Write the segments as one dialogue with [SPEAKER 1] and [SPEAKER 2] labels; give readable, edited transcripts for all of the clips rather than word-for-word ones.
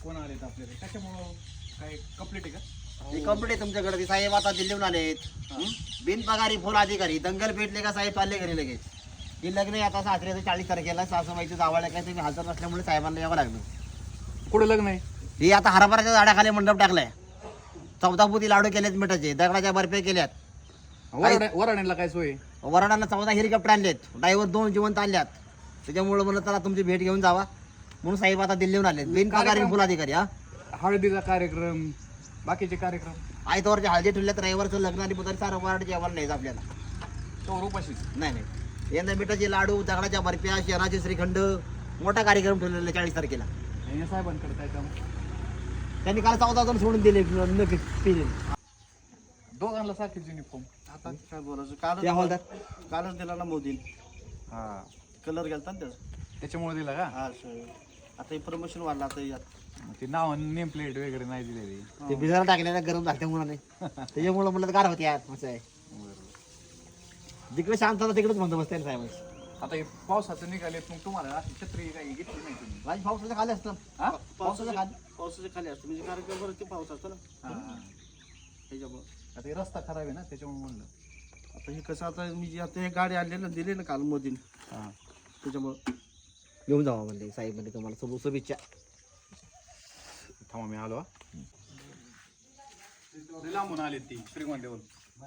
[SPEAKER 1] Phone आलेत आपल्याला त्याच्यामुळं काय कंप्लीट आहे का?
[SPEAKER 2] हे कंप्लीट आहे तुमच्याकडे. ते साहेब आता दिल्लीहून आलेत. बिनपगारी फुल अधिकारी दंगल पेटले का साहेब चालले घरी लगेच. हे लग्न आहे आता सासऱ्याचं 40 तारखेला. सासूबाईचं जावळ काय तुम्ही हजर नसल्यामुळे साहेबांना यावं लागलं.
[SPEAKER 1] कुठं लग्न आहे?
[SPEAKER 2] हे आता हरभराच्या झाडाखाली मंडप टाकलाय. 14 पोती लाडू केलेत मिठाचे, दगडाच्या बर्फे केल्यात.
[SPEAKER 1] वराड्यांना काय सोय?
[SPEAKER 2] वराडांना 14 हेलिकॉप्टर आणलेत, ड्रायव्हर 2 जिवंत आणल्यात. त्याच्यामुळे म्हणलं चला तुमची भेट घेऊन जावा म्हणून साहेब आता दिल्लीहून आलेत. बिनपगारी फुल अधिकारी. हा
[SPEAKER 1] हळदीचा कार्यक्रम, बाकीचे कार्यक्रम
[SPEAKER 2] आयतवारच्या हळदी ठेवल्यात. रविवारचं लग्न आणि बुधवारी सारं वराड जेवायला नाही आपल्याला.
[SPEAKER 1] तो उपाशीच.
[SPEAKER 2] नाही यंदा मिठाचे लाडू, दगडाच्या बर्फ्या, शहराचे श्रीखंड, मोठा कार्यक्रम ठेवलेला 40 तारखेला.
[SPEAKER 1] हे साहेबांकडे काय काम?
[SPEAKER 2] त्यांनी काल 14 जण सोडून दिले.
[SPEAKER 1] दोघांना सारखेच युनिफॉर्म.
[SPEAKER 3] आता काय बोलायचं,
[SPEAKER 2] त्या हॉलदार
[SPEAKER 3] कालच दिला ना मोदीन.
[SPEAKER 1] हा,
[SPEAKER 3] कलर गेलता ना त्याचा.
[SPEAKER 1] त्याच्यामुळे दिला का?
[SPEAKER 3] हा सर, आता हे प्रमोशन वाढलं आता यात.
[SPEAKER 1] ते नाव नेम प्लेट वगैरे नाही दिलेली.
[SPEAKER 2] ते भिजायला टाकलेला गरम झाल्या मुलाने. त्याच्यामुळे म्हणलं गार होते यार. असं आहे, जिकडे शांत होता तिकडेच म्हणतो बसते साहेब.
[SPEAKER 1] आता हे पावसाचं निघालेत, मग तुम्हाला अशी छत्री काही घेतली नाही तुम्ही?
[SPEAKER 2] माझी पावसाच्या खाली असतं.
[SPEAKER 1] हा?
[SPEAKER 3] पावसाच्या खाली असतो म्हणजे कार्यक्रम बरं ते पाऊस असतो ना
[SPEAKER 1] हा.
[SPEAKER 3] त्याच्यामुळे.
[SPEAKER 1] आता हे रस्ता खराब आहे ना, त्याच्यामुळे म्हणलं.
[SPEAKER 3] आता हे कसं, आता मी जे आता हे गाडी आणली ना, दिली ना काल मोदीन,
[SPEAKER 1] हा,
[SPEAKER 3] त्याच्यामुळे.
[SPEAKER 2] घेऊन जावा म्हणले साहेब. म्हणजे तुम्हाला शुभेच्छा.
[SPEAKER 1] थांबा मी आलो. लांबून आले ती श्रीगोंद्यावरून.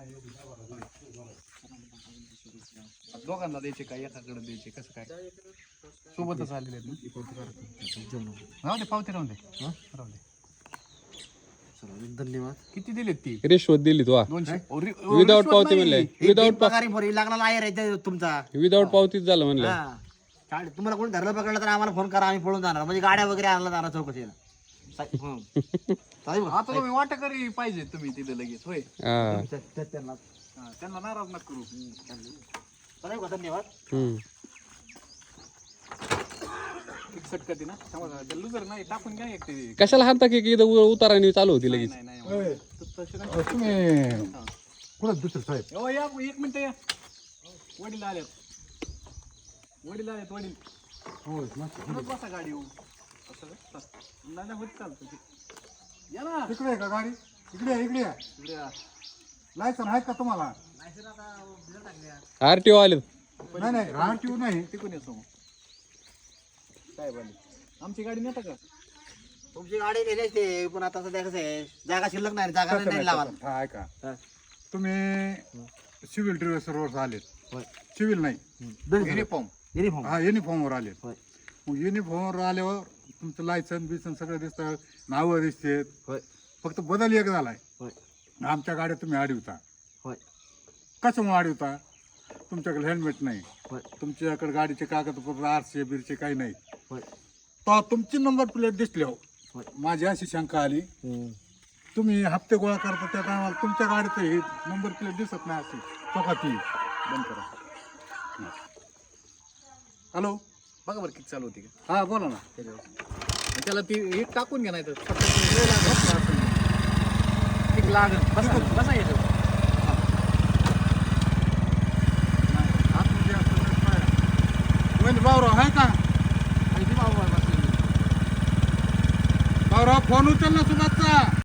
[SPEAKER 1] दोघांना द्यायचे काय, एकाकडे द्यायचे, कसं काय? सोबतच आलेले आहेत ना. राहू दे, पावते राहून दे. राहू दे.
[SPEAKER 2] धन्यवाद.
[SPEAKER 1] किती दिलेत ती?
[SPEAKER 4] रिश्वत दिली तू.
[SPEAKER 1] 200.
[SPEAKER 4] विदाउट पावती म्हणले. विदाउट
[SPEAKER 2] पगारी भरी लागला लायर आहे तुमचा.
[SPEAKER 4] विदाउट पावतीच झालं म्हणलं.
[SPEAKER 2] हा. चालेल. तुम्हाला कोणी धरलं पकडलं तर आम्हाला फोन करा, आम्ही पळून जाणार. म्हणजे गाड्या वगैरे आणला जाणार चौकशीला.
[SPEAKER 1] आता तुम्ही वाटेकरी पाहिजे तुम्ही तिथे लगेच. होय,
[SPEAKER 4] हा.
[SPEAKER 2] त्यांना
[SPEAKER 1] हा, त्यांना नाराज नका करू.
[SPEAKER 2] चालेल का? धन्यवाद.
[SPEAKER 1] फिक्सट करते ना. लुजर नाही, टाकून घ्या एक ते.
[SPEAKER 4] कशाला हाणता की इथं उताराने चालू होती लगेच.
[SPEAKER 1] नाही नाही.
[SPEAKER 5] तुम्ही कुठं दुसरं साहेब?
[SPEAKER 1] हो, या एक मिनिट या. वडील आलेत. वडील.
[SPEAKER 5] होय,
[SPEAKER 1] पुढंच बसा गाडी येऊ. असं का? नाही होत चालतं ते. या ना
[SPEAKER 5] इकडे आहे का गाडी? इकडे या.
[SPEAKER 1] इकडे या.
[SPEAKER 5] लायसन आहे का तुम्हाला?
[SPEAKER 4] आरटीओ आले.
[SPEAKER 5] नाही राहटीव नाही.
[SPEAKER 1] तिकून येतो मग. साहेब आले. आमची गाडी नेता का?
[SPEAKER 2] तुमची गाडी नेली असते पण आता सध्या कसं आहे, जागा शिल्लक नाही. जागा नाही लावायला.
[SPEAKER 5] हा, ऐका
[SPEAKER 2] हा.
[SPEAKER 5] तुम्ही सिव्हिल ड्रेसवर आलेत.
[SPEAKER 2] होय.
[SPEAKER 5] सिव्हिल नाही,
[SPEAKER 1] युनिफॉर्म.
[SPEAKER 2] युनिफॉर्म.
[SPEAKER 5] हा युनिफॉर्मवर आलेत.
[SPEAKER 2] होय.
[SPEAKER 5] मग युनिफॉर्मवर आल्यावर तुमचं लायसन बिसन सगळं दिसतं, नावं दिसतेत.
[SPEAKER 2] होय.
[SPEAKER 5] फक्त बदल एक झालाय.
[SPEAKER 2] होय.
[SPEAKER 5] आमच्या गाड्या तुम्ही अडवता.
[SPEAKER 2] होय.
[SPEAKER 5] कशामुळे अडवता? तुमच्याकडे हेल्मेट नाही,
[SPEAKER 2] होय.
[SPEAKER 5] तुमच्याकडे गाडीचे कागदपत्र आरसे बिरचे काही नाही.
[SPEAKER 2] होय.
[SPEAKER 5] तर तुमची नंबर प्लेट दिसली. हो,
[SPEAKER 2] होय.
[SPEAKER 5] माझी अशी शंका आली, तुम्ही हप्ते गोळा करता त्या टायमाला तुमच्या गाडीचं हे नंबर प्लेट दिसत नाही. अशी चौकाती बंद करा. हॅलो,
[SPEAKER 1] बघा बरं किती चालू होती का?
[SPEAKER 5] हा बोला ना.
[SPEAKER 1] त्याला ती हे टाकून घ्या, नाही तर लागत. बसा येतो.
[SPEAKER 5] भाऊराव आहे का? भाऊराव फोन उचल ना सुभाषचा.